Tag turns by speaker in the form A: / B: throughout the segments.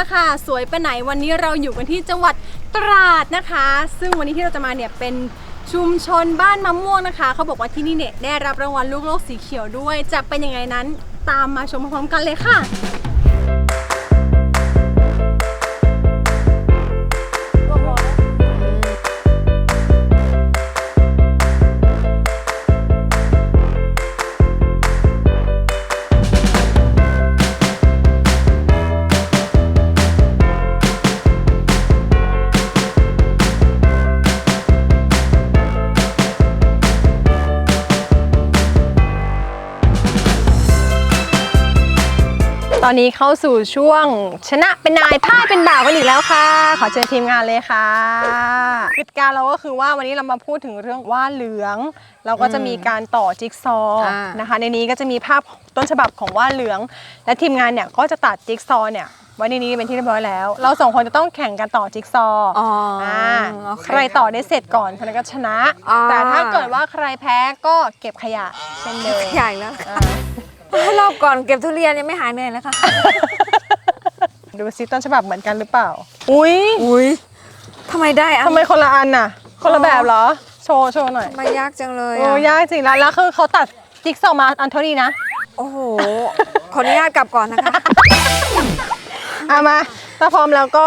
A: ค่ะสวยไปไหนวันนี้เราอยู่กันที่จังหวัดตราดนะคะซึ่งวันนี้ที่เราจะมาเนี่ยเป็นชุมชนบ้านมะม่วงนะคะเขาบอกว่าที่นี่เนี่ยได้รับรางวัลลูกโลกสีเขียวด้วยจะเป็นยังไงนั้นตามมาชมพร้อมๆกันเลยค่ะตอนนี้เข้าสู่ช่วงชนะเป็นนายพ่ายเป็นบ่าวกันอีกแล้วค่ะขอเชิญทีมงานเลยค่ะกติกาเราก็คือว่าวันนี้เรามาพูดถึงเรื่องว่านเหลืองเราก็จะมีการต่อจิ๊กซอว์นะคะในนี้ก็จะมีภาพต้นฉบับของว่านเหลืองและทีมงานเนี่ยก็จะตัดจิ๊กซอว์เนี่ยไว้ในนี้เป็นที่เรียบร้อยแล้วเราสองคนจะต้องแข่งกันต่อจิ๊กซอว์ใครต่อได้เสร็จก่อนคนนั้นก็ชนะแต่ถ้าเกิดว่าใครแพ้ก็เก็บขยะเช่นเดิม
B: ใหญ่แล้วรอบก่อนเก็บทุเรียนยังไม่หายเหนื่อยเลยค่ะ
A: ดูซิต้นฉบับเหมือนกันหรือเปล่าอุ้ย
B: ทำไมได้อะ
A: ทำไมคนละอันน่ะคนละแบบเหรอโชว์หน่อย
B: มันยากจังเลย
A: โอ้ยากจริงแล้วคือเขาตัดจิ๊กซอว์มาอันเท่านี้นะ
B: โอ้โหขออนุญาตกลับก่อนนะคะ
A: มาถ้าพร้อมแล้วก็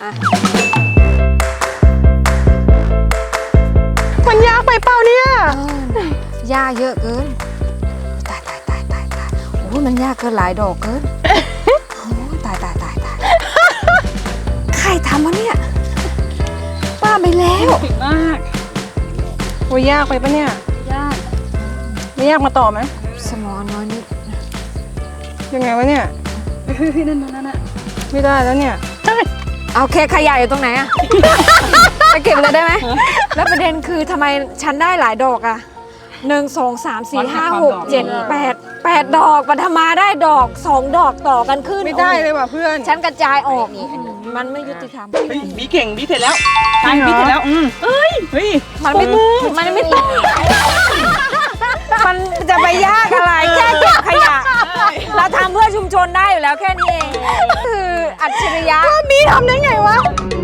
A: มันยากไปเปล่าเนี่ย
B: ยากเยอะเกินตายโอ้ยมันยากเกินหลายดอกเกินโอ้ยตายใครทำวะเนี่ยป้าไปแล้ว
A: ผิดมากโอ้ยยากไปปะเนี่ยยากไม่ยากมาต่อไหม
B: สมองน้อยนิด
A: ยังไงวะเนี่ยนั่นไม่ได้แล้วเนี่ย
B: เอาแค่ขยะอยู่ตรงไหนอะไปเก็บเลยได้ไหมแล้วประเด็นคือทำไมฉันได้หลายดอกอะ1 2 3 4 5 6 7 8 ดอกปัทมาได้ดอก2 ดอกต่อกันขึ้น
A: ไม่ได้เลยว่ะเพื่อน
B: ฉันกระจายออกมันไม่ยุติธรรม
C: บีเก่งบีเสร็จแล้วใช่บีเสร็จแล้วเฮ้ย
B: มันไม่ต้องมันจะไปยากอะไรแค่เก็บขยะเราทำเพื่อชุมชนได้อยู่แล้วแค่นี้เองคืออัจฉริยะ
A: บีทำได้ไงวะ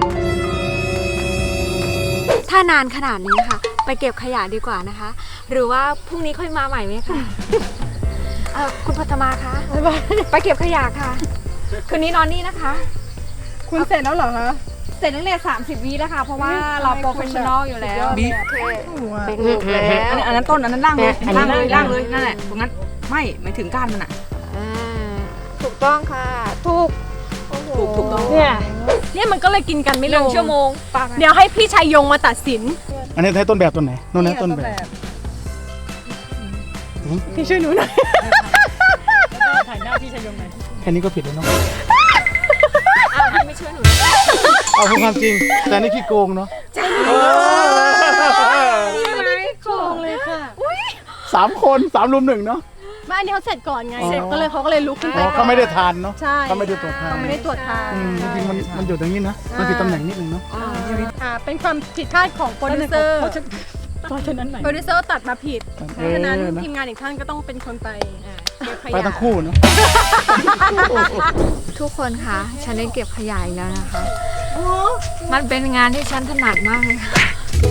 B: ถ้านานขนาดนี้ค่ะไปเก็บขยะดีกว่านะคะหรือว่าพรุ่งนี้ค่อยมาใหม่ไหมคะคุณพัฒมาคะไปเก็บขยะค่ะคืนนี้นอนนี่นะคะ
A: คุณเสร็จแล้วเหรอคะ
B: เสร็จตั้งแต่30 วิแล้วค่ะเพราะว่าเราโปรเฟชชั่นอลอยู่แล้ว
C: เป็นลูกแล้วอันนั้นต้นอันนั้นล่างเลยนั่นแหละตรงนั้นไม่ถึงก้านมันอ่ะ
B: ถูกต้องค่ะถูก
A: ต้องเนี่ยมันก็เลยกินกันไม่ลง
B: 1 ชั่วโมง
A: เดี๋ยวให้พี่ชัยยงมาตัดสิน
D: อันนี้ให้ต้นแบบต้นไหนโน่นนะต้นแบบ
A: พี่ช่วยหนูหน่อย
D: ถ่ายหน้าพี่ชัยยงหน่อยแค่นี้ก็ผิดแล้วเนาะ
B: พี่ไม่ช่วยหนู
D: เอาพูดความจริงแต่นี่ขี้โกงเนาะ
A: โกงเลยค่ะ
D: 3 คน 3 รุม 1เนาะ
A: บ้านนี้เขาเสร็จก่อนไงเสร็จเขาก็เลยลุกขึ้นไป
D: เขาไม่ได้ทานเนาะ
A: ใช่
D: เขาไม่ได้ตรวจทานจริงมันอยู่ตรงนี้นะมันผิดตำแหน่งนิดนึงเนาะ
A: เป็นความผิดพลาดของโปรดิวเซอร์โปรดิวเซอร์ตัดมาผิดเพราะฉะนั้นทีมงานอีกท่านก็ต้องเป็นคนไป
D: ไปทั้งคู่เนาะ
B: ทุกคนคะฉันได้เก็บขยะอีกแล้วนะคะมันเป็นงานที่ฉันถนัดมากเลยค่ะ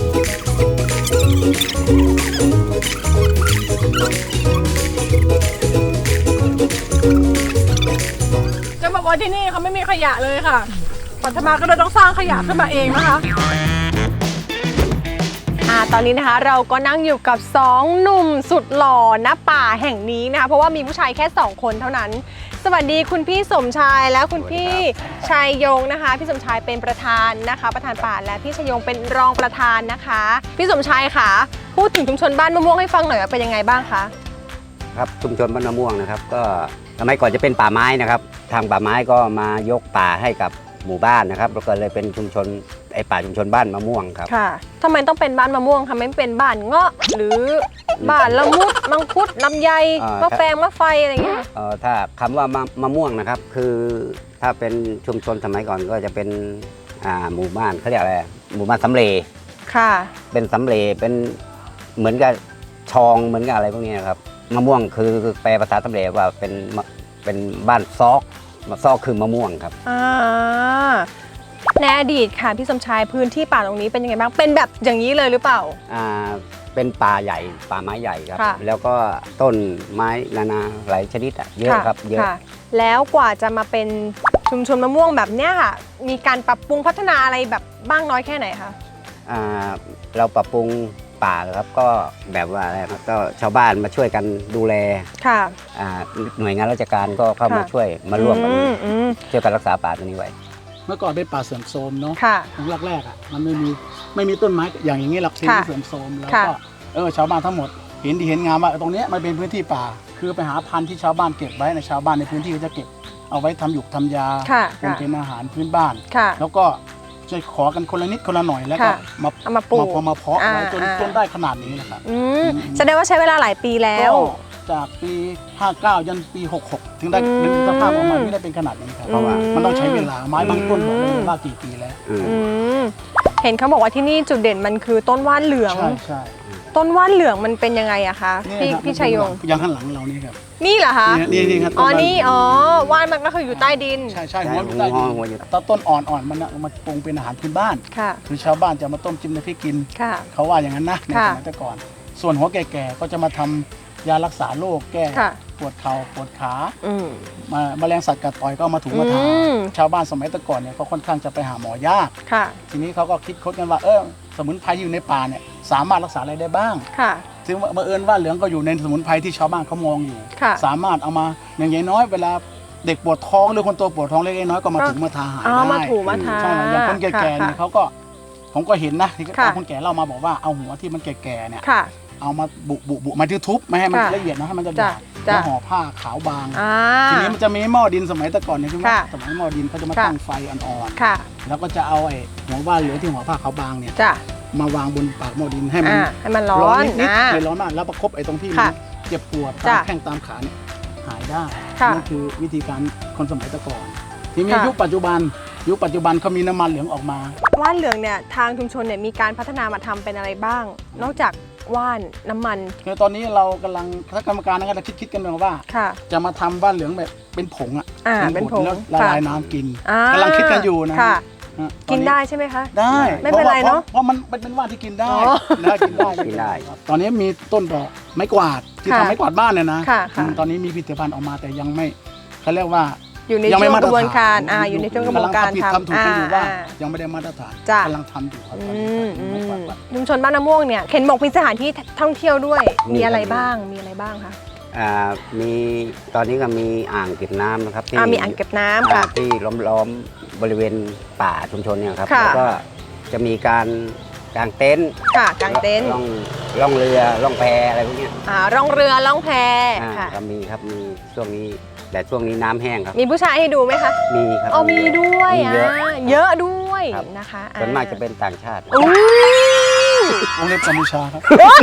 A: จะบอกว่าที่นี่เขาไม่มีขยะเลยค่ะปัทมาก็เลยต้องสร้างขยะขึ้นมาเองนะคะตอนนี้นะคะเราก็นั่งอยู่กับ2 หนุ่มสุดหล่อณป่าแห่งนี้นะคะเพราะว่ามีผู้ชายแค่2 คนเท่านั้นสวัสดีคุณพี่สมชายและคุณพี่ชัยยงนะคะพี่สมชายเป็นประธานนะคะประธานป่าและพี่ชัยยงเป็นรองประธานนะคะพี่สมชายค่ะพูดถึงชุมชนบ้านมะม่วงให้ฟังหน่อยว่าเป็นยังไงบ้างคะ
E: ครับชุมชนบ้านมะม่วงนะครับก็สมัยก่อนจะเป็นป่าไม้นะครับทางป่าไม้ก็มายกป่าให้กับหมู่บ้านนะครับแล้วก็เลยเป็นชุมชนป่าชุมชนบ้านมะม่วงครับ
A: ค่ะทำไมต้องเป็นบ้านมะม่วงคะไม่เป็นบ้านเงาะหรือบ้านละมุดมังคุดลำไยมะแฟงมะไฟอะไรอย่างเงี้ย
E: ถ้าคำว่ามะม่วงนะครับคือถ้าเป็นชุมชนสมัยก่อนก็จะเป็นหมู่บ้านเขาเรียกอะไรหมู่บ้านสำเร็จ
A: ค่ะ
E: เป็นสำเร็จเป็นเหมือนกับชองเหมือนกับอะไรพวกนี้นะครับมะม่วงคือแปลภาษาสำเร็จว่าเป็นบ้านซอกซอกคือมะม่วงครับ
A: ในอดีตค่ะพี่สมชายพื้นที่ป่าตรงนี้เป็นยังไงบ้างเป็นแบบอย่างนี้เลยหรือเปล่า
E: เป็นป่าใหญ่ป่าไม้ใหญ่ครับ
A: ค่ะ
E: แล้วก็ต้นไม้นานาหลายชนิดเยอะครับเยอะ
A: ค่ะแล้วกว่าจะมาเป็นชุมชนมะม่วงแบบเนี้ยค่ะมีการปรับปรุงพัฒนาอะไรแบบบ้างน้อยแค่ไหนคะ
E: เราปรับปรุงป่าครับก็แบบว่าอะไรครับก็ชาวบ้านมาช่วยกันดูแล
A: ค่ะ
E: หน่วยงานราชการก็เข้ามา
A: ค่ะ
E: ช่วยมาร่วมกัน
A: อืม
E: ช่วยกันรักษาป่าตัวนี้ไว้
D: เมื่อก่อนเป็นป่าเสื่อมโทรมเนาะ
A: ค่ะ
D: ครั้งแรกๆอ่ะมันไม่มีต้นไม้อย่างนี้หรอกที่
A: ค่ะ
D: เสื่อมโทรมแล้ว
A: ค่ะ
D: ก็ชาวบ้านทั้งหมดเห็นดีเห็นงามว่าตรงเนี้ยมันเป็นพื้นที่ป่า คือไปหาพันธุ์ที่ชาวบ้านเก็บไว้ในชาวบ้านในพื้นที่ก็จะเก็บเอาไว้ทำหยุกทำยา
A: ค่ะ
D: เป็นอาหารพื้นบ้าน
A: ค่ะ
D: แล้วก็จะขอกันคนละนิดคนละหน่อยแล้วก็
A: ค่ะ เอามาปลูก
D: มาเพาะไว้จน
A: อ่า
D: จนได้ขนาดนี้นะครับ
A: แสดงว่าใช้เวลาหลายปีแล้ว
D: ก็จากปี 59 ยันปี 66 ถึงได้ถึงสภาพออกมาที่ได้เป็นขนาดนี้ครับเพราะว่ามันต้องใช้เวลาไม้บางต้นบอกได้เลยว่ากี่ปีแล้ว
A: อืมเห็นเขาบอกว่าที่นี่จุดเด่นมันคือต้นว่านเหลือง
D: ใช่ใช่
A: ต้นว่านเหลืองมันเป็นยังไงอะคะพี่
D: ครับ
A: พี่ชัยยง
D: อย่างข้างหลังเรานี่ครับ
A: นี่เหรอคะ
D: นี่ครับ
A: อ๋อ
D: ต้
A: นี่อ๋อว่านมันก็คืออยู่ใต้ดิน
D: ใช่ใช่
E: ใช่
D: หัวอยู่ใต้ดิน
E: หัวอยู่
D: ตอนต้นอ่อนๆมันเอามาปรุงเป็นอาหารพื้นบ้าน
A: ค่ะ
D: คือชาวบ้านจะมาต้มจิ้มในพริกกิน
A: ค่ะ
D: เขาว่าอย่างนั้นนะใน
A: ค่ะ
D: สมัยแต่ก่อน ส่วนหัวแก่ๆก็จะมาทำยารักษาโรคแก้
A: ค่ะ
D: ปวดเข่าปวดขา
A: อืม
D: มาแมลงสัตว์กัดต่อยก็เอามาถูมาทา
A: อืม
D: ชาวบ้านสมัยแต่ก่อนเนี่ยเขาค่อนข้างจะไปหาหมอยาก
A: ค่ะ
D: ทีนี้เขาก็คิดค้นกันว่าสมุนไพรที่อยู่ในป่าเนี่ยสามารถรักษาอะไรได้บ้าง
A: ค่ะ
D: ซึ่งบังเอิญว่าเหลืองก็อยู่ในสมุนไพรที่ชาวบ้านเขามองอยู่
A: ค่ะ
D: สามารถเอามาอย่างน้อยเวลาเด็กปวดท้องหรือคนโตปวดท้องเล็กๆน้อยๆก็มาถูมาทาหาย
A: อ๋อ
D: ได้
A: มาถูมาทา
D: ใช่อย่างคนแก่ๆเนี่ย
A: ค่ะ
D: เขาก็ผมก็เห็นนะที่
A: ค่ะ
D: คนแก่เล่ามาบอกว่าเอาหัวที่มันแก่ๆเนี่ย
A: ค่ะ
D: เอามาบุมาทุบไม่ให้มัน
A: ค่ะ
D: ละเอียดนะให้มันจะ
A: จ้ะ
D: ดาด
A: จ้ะ
D: แล้วห่อผ้าขาวบาง
A: อ่า
D: ทีนี้มันจะมีหม้อดินสมัยแต่ก่อนเนี่ยคือว่า
A: ค่ะ
D: สมัยหม้อดินเขาจะมา
A: ค่ะ
D: ตั้งไฟอ่อน
A: ค่ะ
D: ๆแล้วก็จะเอาไอ้หัวว่านเหลืองที่ห่อผ้าขาวบางเนี่ย
A: จ้ะ
D: มาวางบนปากหม้อดินให้มัน
A: ให้มันร้อน
D: นิด
A: อ่า
D: ๆเลยร้อนมากแล้วประคบไอ้ตรงที่มั
A: ค่ะ
D: นเจ็บปวด
A: จ้ะ
D: ตามแข้งตามขาเนี่ยหายได้
A: ค่ะ
D: นั่นคือวิธีการคนสมัยแต่ก่อนทีนี้
A: ค่ะ
D: ยุคปัจจุบันเขามีน้ำมันเหลืองออกมา
A: ว่านเหลืองเนี่ยทางชุมชนเนี่ยมีการพัฒนามาทำเป็นอะไรบ้าง นอกจากว่านน้ำมัน
D: คือตอนนี้เรากำลังคณะกรรมการนะครับเราคิดกันว่า
A: ค่ะ
D: จะมาทำว่านเหลืองแบบเป็นผงอ่ะ
A: เป็นผง
D: แล้วละลายน้ำกิน
A: อ่าก
D: ำลังคิดกันอยู่นะ
A: ค่ะ
D: ฮะ
A: กินได้ใช่ไหมคะ
D: ได้
A: ไม่เป็นไรเนอะ
D: เพราะมันเป็นว่านที่กินได้
A: อ๋อ
D: นะกินได้
E: กินได้
D: ครับตอนนี้มีต้นดอกไม้กวาดที่
A: ค่ะ
D: ทำไม้กวาดบ้านเนี่ยนะ
A: ค่ะค่ะ
D: ตอนนี้มีผลิตภัณฑ์ออกมาแต่ยังไม่เขาเรียกว่า
A: อยู่ใน
D: ยัง
A: ช่
D: ไม่
A: วง
D: มาก ตร
A: ระบวน
D: ฐาน
A: การอยู่ในช่วงกระบวนการ
D: ำลังทำถูกกันอยู่ว่า
A: อ่า
D: ยังไม่ได้มาตรฐาน
A: จ้ะ
D: กำลังทำอยู่ครับตอน
A: อื
D: นี้
A: มอื
D: ไม้
A: ม
D: กวาด
A: ชุมชนบ้านน้ำม่วงเนี่ยเห็นบอกมีสถานที่ท่องเที่ยวด้วย
E: มี
A: มีอะไร
E: ครับ
A: บ้างมีอะไรบ้างคะ
E: มีตอนนี้ก็มีอ่างเก็บน้ำนะครับที่
A: มีอ่างเก็บน้ำค่ะ
E: ที่ล้อมบริเวณป่าชุมชนเนี่ยครับ
A: ค่ะ
E: แล้วก็จะมีการกางเต็นท์
A: ค่ะกางเต็นท์
E: ล่องเรือล่องแพอะไรพวกเนี้ย
A: ร่องเรือล่องแพ
E: อ่า
A: ค่ะ
E: ก็มีครับมีช่วงนี้แต่ช่วงนี้น้ำแห้งครับ
A: มีผู้ชายให้ดูไหมคะ
E: มีครับ
A: อ๋อมีด้วย
E: มีเยอะ
A: เยอะด้วย
E: ครับ
A: นะคะ
E: ส่วนมากจะเป็นต่างชาติ
A: อุ้ยว
D: งเล็บกัมพูชาครับ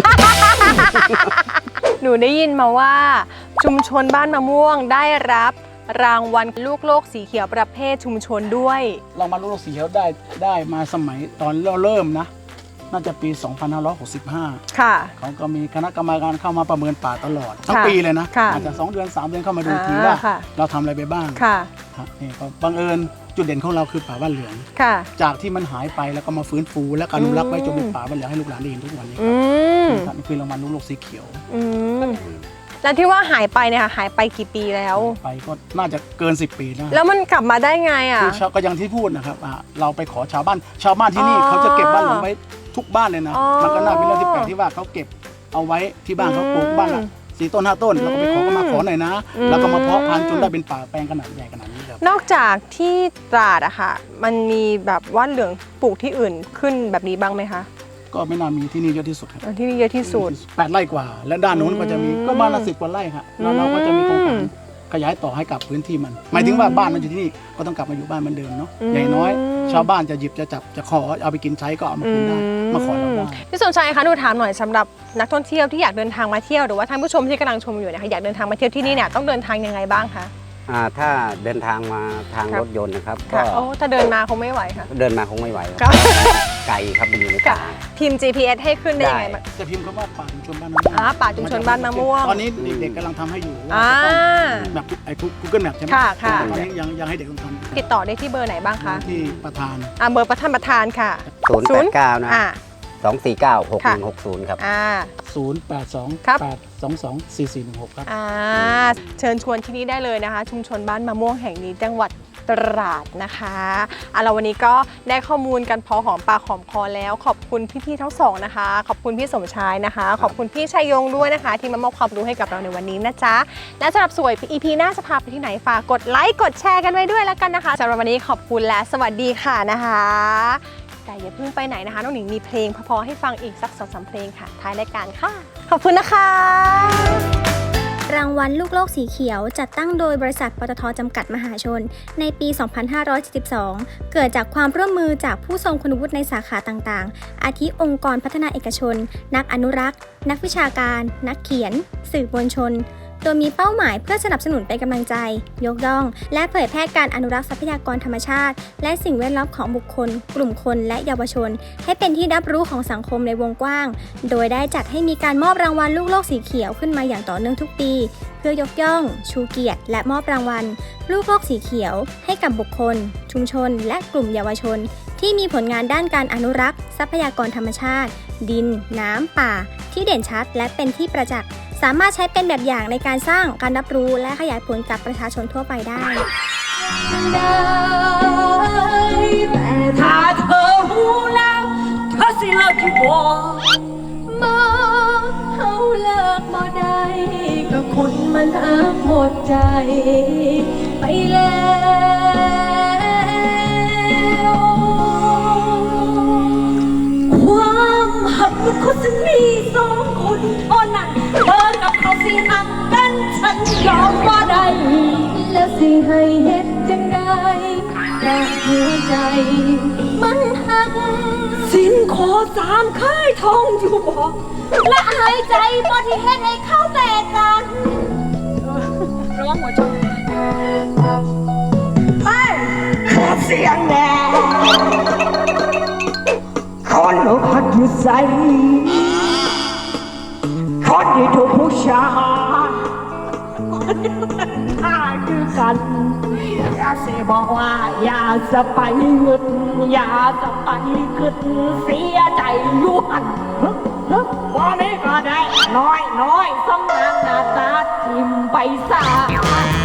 A: หนูได้ยินมาว่า ชุมชนบ้านมะม่วงได้รับรางวัลลูกโลกสีเขียวประเภทชุมชนด้วย
D: เรามาลูกสีเขียวได้มาสมัยตอนเริ่มนะ น่าจะปี 2565
A: ค่ะ
D: เขาก็มีคณะกรรมการเข้ามาประเมินป่าตลอด ทั้ง
A: ค่ะ
D: ปีเลยนะ
A: ค่ะ
D: อาจจะ2 เดือน 3 เดือนเข้ามาดูทีว่า
A: ค่ะ
D: เราทำอะไรไปบ้าง
A: ค่ะ
D: ครับนี่ก็บังเอิญจุดเด่นของเราคือป่าบ้านเหลือง
A: ค่ะ
D: จากที่มันหายไปแล้วก็มาฟื้นฟูและอนุรักษ์ไว้จนเป็นป่าบ้านเหลืองให้ลูกหลานได้เห็นทุกวันนี้
A: อืม
D: ครับนี่คือรางวัลลูกโลกสีเขียว
A: อืมแล้วที่ว่าหายไปเนี่ยค่ะหายไปกี่ปีแล้ว
D: ไปก็น่าจะเกิน 10 ปีนะ
A: แล้วมันกลับมาได้ไงอ่ะ
D: คือก็อย่างที่พูดนะครับเราไปขอชาวบ้านที่นี่
A: อ๋อ
D: เขาจะเก็บบ้านเหลืองไว้ทุกบ้านเลยนะ
A: อ๋อ
D: มันก็น่าเป็นเรื่องที่แปลกที่ว่าเขาเก็บเอาไว้ที่บ้านเขาปลูกบ้านละ4 ต้น 5 ต้นเราก็ไปขอก็มาขอหน่อยนะ แล้วก็มาเพาะพันธุ์จนได้เป็นป่าแปลงขนาดใหญ่ขนาดนี้ครับ
A: นอกจากที่ตราดอะค่ะ มันมีแบบว่านเหลืองปลูกที่อื่นขึ้นแบบนี้บ้างไหมคะ
D: ก็ไม่น่ามีที่นี่เยอะที่สุดครับ
A: ที่นี่เยอะที่สุด
D: 8 ไร่กว่า และด้านนู้นก็จะมีก็บ้านละ10 กว่าไร่ครับแล้วเราก็จะมีโครงการขยายต่อให้กับพื้นที่มัน หมายถึงว่าบ้านมันอยู่ที่นี่ก็ต้องกลับมาอยู่บ้านเหมือนเดิมเนาะ
A: อืม
D: อย่างน้อย ชาวบ้านจะหยิบจะจับจะขอเอาไปกินใช้ก็เอามาคืนได้มาขอเราได้
A: พี่สมชายคะหนูถามหน่อยสำหรับนักท่องเที่ยวที่อยากเดินทางมาเที่ยวหรือว่าท่านผู้ชมที่กำลังชมอยู่เนี่ยค่ะอยากเดินทางมาเที่ยวที่นี่เนี่ยต้องเดินทางยังไงบ้างคะ
E: ถ้าเดินทางมาทาง
A: ครับ
E: รถยนต์นะครับ ก็
A: ค่ะโอ้ถ้าเดินมาคงไม่ไหวค่ะ
E: เดินมาคงไม่ไหว
A: ครับ
E: ไกลครับมันอยู่ใน
A: ค่ะ
E: ป่า
A: พิมพ์ GPS ให้ขึ้นได้ยังไง
E: ได้
A: บ้าง
D: จะพิมพ์คำว่าป่าชุมชนบ้านมะม่วง
A: ป่าชุมชนบ้านมะม่วง
D: ตอนนี้เด็กๆกำลังทำให้อยู่ว่า
A: อ่า
D: จะต้องแบบไอ้ Google Map ใช่ไหม
A: ค่ะค่ะ
D: ตอนนี้ยังให้เด็กต้องทำ
A: ติดต่อได้ที่เบอร์ไหนบ้างคะ
D: ที่ประธาน
A: เบอร์ประธานค่ะ
E: 089 นะ
A: อ่า
E: 249 6160 ครับ
D: 082
A: ครับ
D: 822 4416 ครับ
A: เชิญชวนที่นี่ได้เลยนะคะ ชุมชนบ้านมะม่วงแห่งนี้จังหวัดตราดนะคะเราวันนี้ก็ได้ข้อมูลกันพอหอมปากหอมคอแล้ว ขอบคุณพี่ๆทั้งสองนะคะ ขอบคุณพี่สมชายนะคะ ขอบคุณพี่ชัยยงด้วยนะคะ ที่มามอบความรู้ให้กับเราในวันนี้นะจ๊ะและสำหรับสวย EP หน้าจะพาไปที่ไหนฝากกดไลค์กดแชร์กันไว้ด้วยแล้วกันนะคะสำหรับวันนี้ขอบคุณและสวัสดีค่ะนะคะแต่อย่าเพิ่งไปไหนนะคะน้องหนิงมีเพลงพอๆให้ฟังอีกสัก 2-3 เพลงค่ะท้ายรายการค่ะขอบคุณนะคะ
F: รางวัลลูกโลกสีเขียวจัดตั้งโดยบริษัทปตท.จำกัดมหาชนในปี 2572 เกิดจากความร่วมมือจากผู้ทรงคุณวุฒิในสาขาต่างๆ อาทิองค์กรพัฒนาเอกชน นักอนุรักษ์ นักวิชาการ นักเขียน สื่อมวลชน โดยมีเป้าหมายเพื่อสนับสนุนเป็นกำลังใจ ยกย่อง และเผยแพร่การอนุรักษ์ทรัพยากรธรรมชาติ และสิ่งแวดล้อมของบุคคล กลุ่มคนและเยาวชน ให้เป็นที่รับรู้ของสังคมในวงกว้าง โดยได้จัดให้มีการมอบรางวัลลูกโลกสีเขียวขึ้นมาอย่างต่อเนื่องทุกปี เพื่อยกย่อง ชูเกียรติ และมอบรางวัล ลูกโลกสีเขียว ให้กับบุคคล ชุมชน และกลุ่มเยาวชน ที่มีผลงานด้านการอนุรักษ์ทรัพยากรธรรมชาติ ดิน น้ำ ป่า ที่เด่นชัด และเป็นที่ประจักษ์ สามารถใช้เป็นแบบอย่างในการสร้างการรับรู้และขยายผลกับประชาชนทั่วไปได้
B: แต่ถ้าเธอหูแล้วเธอสิเลิกที่วอมาเฮาเลิกบ่ได้ก็คนมันหักหมดใจไปแล้วความหักมันคนจะมีสองคนเท่านั้นเธอกับเขาสิหักกันฉันยอมบ่ได้แล้วสิให้เฮ็ดจังไดแต่หัวใจมันหักสิ้นขอ3ค่ายทองอยู่บ่และหายใจบ่ที่เฮ็ดให้เขาแตกกันร้องหัวใจไปขอเสียงแน่คนอกหักอยู่ใสคนที่ถูกผู้ชายฆ่าคือกันอย่าเสียบอกว่าอย่าจะไปเงินอย่าจะไปขึ้นเสียใจอยู่หันวันนี้ก็ได้น้อยสำนักหน้าตาทิมไปซา